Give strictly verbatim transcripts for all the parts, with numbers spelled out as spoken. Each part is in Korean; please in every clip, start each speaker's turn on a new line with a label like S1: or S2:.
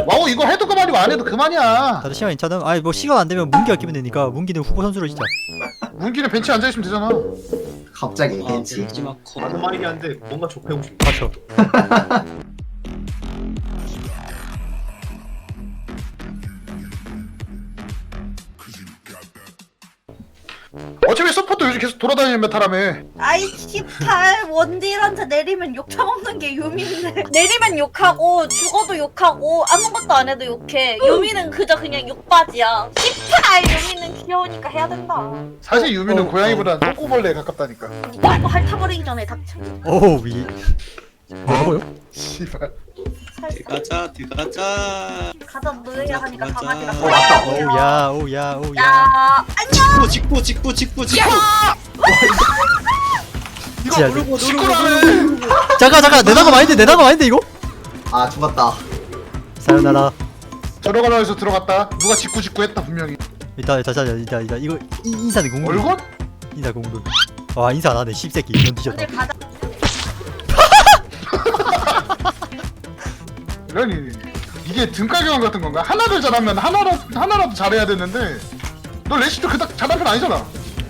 S1: 와우 이거 해도 그만이고 안 해도 그만이야.
S2: 다들 시간 괜찮음? 아니 뭐 시간 안 되면 문기가 끼면 되니까 문기는 후보 선수로 진짜.
S1: 문기는 벤치에 앉아있으면 되잖아.
S3: 갑자기
S4: 아,
S3: 벤치.
S4: 벤치마커.
S5: 맞는 말이긴 한데 뭔가 좁혀고 싶다.
S2: 맞죠.
S1: 어차피 서포터 요즘 계속 돌아다니는 메타라며.
S6: 아이 씨발 원딜한테 내리면 욕 처먹는 게 유미인데 내리면 욕하고 죽어도 욕하고 아무것도 안 해도 욕해. 유미는 그저 그냥 욕바지야. 씨발 유미는 귀여우니까 해야 된다.
S1: 사실 유미는
S2: 어,
S1: 고양이보다 똥꼬벌레에 가깝다니까.
S6: 누가 이거 핥아버리기 전에 닥쳐.
S2: 오우 이. 뭐라고요?
S1: 씨발.
S4: 들어가자 들어가자.
S6: 가자 너야 하니까
S4: 가자.
S6: 강아지가
S3: 어, 맞다.
S2: 오야 오야 오야.
S6: 야 안녕.
S4: 직구 직구 직구 직구.
S1: 이거
S2: 진짜
S1: 누르고 시끄러네.
S2: 잠깐 잠깐 내나가 마인드 내나가 마인드 이거?
S3: 아 죽었다.
S2: 사요나라.
S1: 들어가라 해서 들어갔다. 누가 직구 직구 했다 분명히.
S2: 일단 일단 일단 일단 일단 이거 이, 인사는 공룰.
S1: 얼굴?
S2: 인사 공룰. 와 인사 안 하네 씹새끼 이런 뒤졌다.
S6: 원딜 가자.
S1: 이러니 이게 등가교환 같은 건가? 하나를 잘하면 하나라, 하나라도 잘해야 되는데 너 레시도 그닥 잘한 편 아니잖아.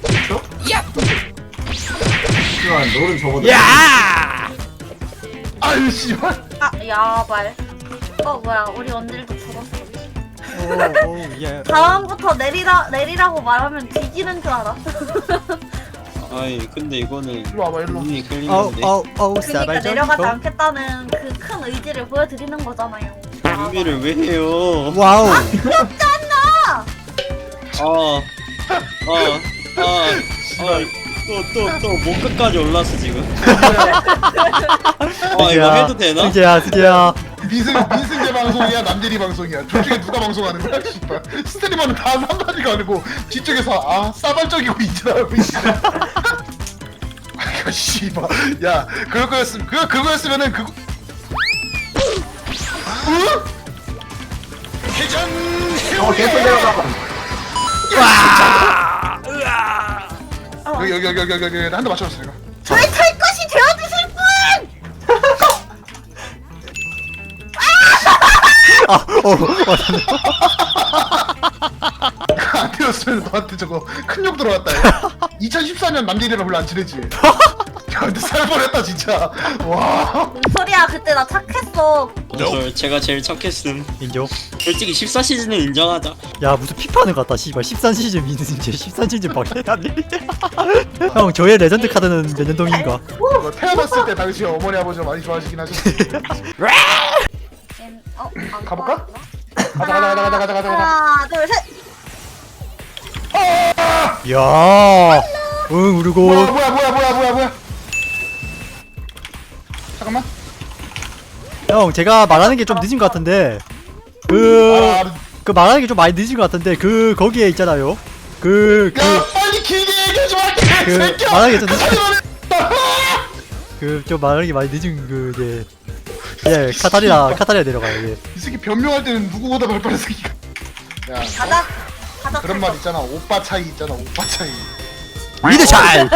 S3: 하지만 너는 저보다.
S2: 야!
S1: 아유 씨발.
S6: 아 야발. 어 뭐야 우리 원딜도 죽었어.
S2: 오오 예.
S6: 다음부터 내리라 내리라고 말하면 뒤지는 줄 알아.
S4: 아이 근데 이거는
S1: 일로 와봐 일로.
S4: 눈이
S2: 아우
S4: 끌리는데.
S2: 아우 아우
S6: 그러니까
S2: 사발
S6: 내려가지
S2: 좀.
S6: 않겠다는 그 큰 의지를 보여드리는 거잖아요.
S4: 준비를 왜 해요?
S2: 와우.
S4: 어. 어. 어. 또또또목 끝까지 올랐어 지금. 아 이거 해도 되나?
S2: 승재야 승재야.
S1: 민승 민승재 방송이야 남대리 방송이야. 둘 중에 누가 방송하는 거야? 씨발. 스트리머는 다 한마디가 아니고 뒤쪽에서 아 싸발적이고 있더라고. 아 씨발. 야 그럴 거였으면 그 그거였으면은 그거. 어? 회전.
S3: 어 계속 내려가.
S1: 여기 여기 여기 여기 여기 한 대 맞춰줬어 내가.
S6: 저의 탈 것이 되어주실 분!
S2: 아어
S1: 안 되었으면 너한테 저거 큰 욕 들어왔다. 이천십사 년 남대리랑 별로 안 친해지. 야 근데 살벌했다 진짜. 와.
S6: 뭔 소리야 그때 나 착했어.
S4: 저 제가 제일 착했음.
S2: 인정.
S4: 솔직히 십사 시즌은 인정하자.
S2: 야 무슨 피파는 같다 씨발 십삼 시즌 미는 이제 십삼 시즌 박해하네. 형 저의 레전드 카드는 몇 년 동인가?
S1: 이거 태어났을 때 당시 어머니 아버지가 많이 좋아하시긴 하셨어.
S6: 엔- 어? 안
S1: 가볼까?
S6: 꺼졌나?
S1: 가자 가자 가자 가자 가자 가자.
S6: 하나 둘 셋.
S2: 야, 응 우르고.
S1: 뭐야 뭐야 뭐야 뭐야 뭐야 뭐야. 잠깐만.
S2: 형 제가 말하는 게 좀 늦은 것 같은데 그.
S1: 아,
S2: 그 말하는 게 좀 많이 늦은 것 같은데 그 거기에 있잖아요. 그 그
S1: 야 빨리 길게 얘기하지 마.
S2: 그
S1: 개새끼야.
S2: 말하는 게 좀 늦은
S1: 늦.
S2: 그 좀 말하는 게 많이 늦은 그 이제 예 카타리나 카타리나 내려가요. 예.
S1: 이 새끼 변명할 때는 누구보다 발빠른 새끼가. 야
S6: 가자. 가자.
S1: 그런 말 있잖아. 오빠 차이 있잖아. 오빠 차이.
S2: 미드 잘.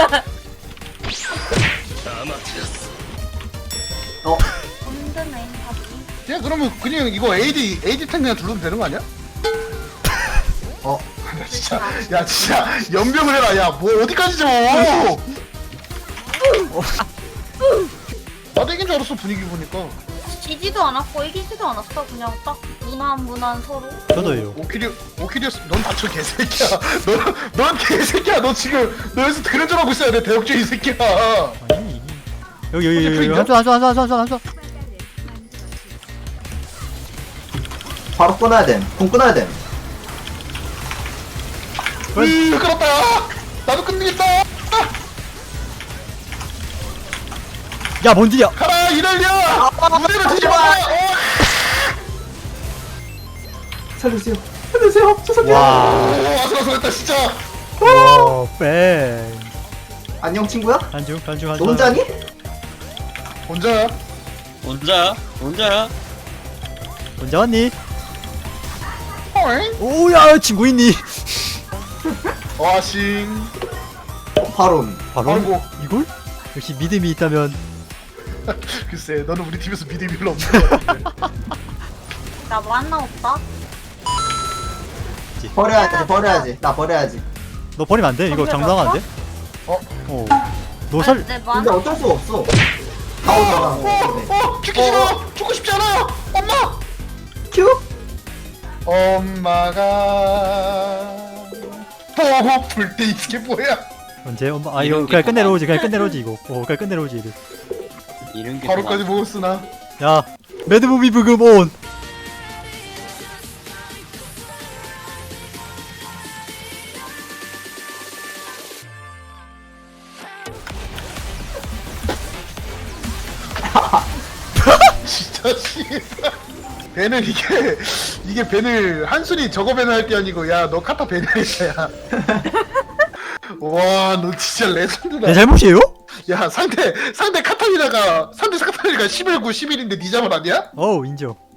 S3: 어
S6: 힘드네 하기.
S1: 야 그러면 그냥 이거 에이디 에이디 탱 그냥 둘러도 되는 거 아니야?
S3: 어.
S1: 야 진짜 야 진짜 연병을 해라. 야 뭐 어디까지 줘. 나도 이긴 줄 알았어 분위기 보니까.
S6: 지지도 않았고 이기지도 않았어. 그냥 딱 무난 무난 서로.
S2: 저도예요.
S1: 오키리 오키리였어. 넌 닥쳐 개새끼야. 넌넌 개새끼야. 너 지금 너 여기서 그런 줄 알고 있어야 돼. 대역죄 이 새끼야.
S2: 아니. 여기 여기 여기 여기 한쪽 한쪽 한쪽 한쪽 한쪽.
S3: 바로 끊어야 됨. 공 끊어야 됨.
S1: 으 끌었다. 나도 끝내겠다.
S2: 야 뭔디야?
S1: 가라 이럴려. 무대를 뒤집어.
S3: 살려주세요. 살려주세요. 죄송해요.
S2: 와.
S1: 오 아슬아슬했다 진짜.
S2: 와 뺑.
S3: 안녕 친구야.
S2: 한중 한중
S3: 너
S2: 한중.
S3: 혼자니?
S1: 혼자야.
S4: 혼자야? 혼자야?
S2: 혼자 왔니?
S1: 어잉?
S2: 오야 친구 있니?
S1: 와싱.
S3: 어, 바론.
S2: 바로
S1: 아이고.
S2: 이걸? 역시 믿음이 있다면.
S1: 글쎄 너는 우리 팀에서 믿음이 별로 없는 것 같은데.
S6: 나 만나 없다.
S3: 버려야지 버려야지 나 버려야지.
S2: 너 버리면 안 돼. 이거 장당 안 돼?
S1: 어?
S2: 어. 너 살.
S6: 내
S3: 근데
S6: 만나.
S3: 어쩔 수가 없어. 가오잖아.
S1: 어! 죽기 싫어! 죽고 싶지 않아! 엄마!
S3: 큐?
S1: 엄마가 보고 불때 이게 뭐야?
S2: 언제 엄마 아 이거 그냥 끝내러 오지 그냥 끝내러 오지 이거. 어 그냥 끝내러 오지 이거.
S4: 이런 게
S1: 바로까지 보고 쓰나?
S2: 야 매드무비 부금 온.
S1: 진짜 씨발. 벤을 이게 이게 벤을 한순이 저거 벤을 할 게 아니고 야 너 카타 벤을 했어야. 와 너 진짜 레전드다.
S2: 내 잘못이에요?
S1: 야 상대 상대 카타리나가 상대 카타리나가 십일 구 십일인데 니 자만 아니야?
S2: 어우 인정.